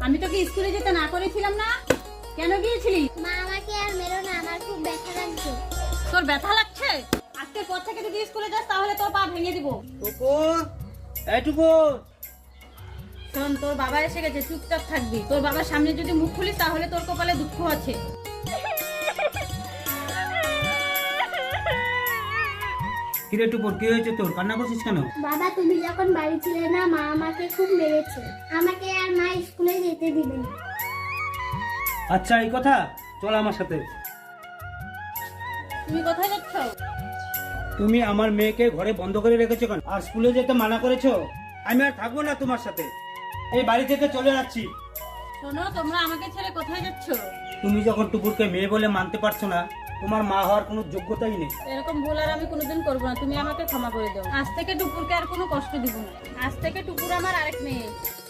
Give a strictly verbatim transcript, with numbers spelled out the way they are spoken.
আমি তোকে স্কুলে যেতে না করেছিলাম না? কেন গিয়েছিলি? মা আমাকে আর মেরো না, আমার খুব ব্যথা লাগছে। তোর ব্যথা লাগছে? আজকের পর থেকে যদি স্কুলে যাস তাহলে তোর পা ভেঙে দিব। টুকু, এই টুকু। শোন, তোর বাবা এসে গেছে, চুপচাপ থাকবি। তোর বাবার সামনে যদি মুখ খুলিস তাহলে তোর কপালে দুঃখ আছে। কিরে টুকুর, কি হয়েছে তোর? কান্না করছিস কেন? বাবা, তুমি যখন বাড়ি ছিলে না, মা আমাকে খুব মেরেছে। আমাকে আর মা স্কুলে যেতে দিবে না। আচ্ছা, এই কথা, চল আমার সাথে। তুমি কোথায় যাচ্ছ? তুমি আমার মেয়েকে ঘরে বন্ধ করে রেখেছো কেন? আর স্কুলে যেতে মানা করেছো? আমি আর থাকবো না তোমার সাথে, এই বাড়ি থেকে চলে যাচ্ছি। শোনো, তোমরা আমাকে ছেড়ে কোথায় যাচ্ছ? তুমি যখন টুকুরকে মেয়ে বলে মানতে পারছো না, তোমার মা হওয়ার কোনো যোগ্যতাই নেই। এরকম ভুল আর আমি কোনোদিন করবো না, তুমি আমাকে ক্ষমা করে দাও। আজ থেকে টুকুরকে আর কোনো কষ্ট দিব না। আজ থেকে টুকুর আমার আরেক মেয়ে।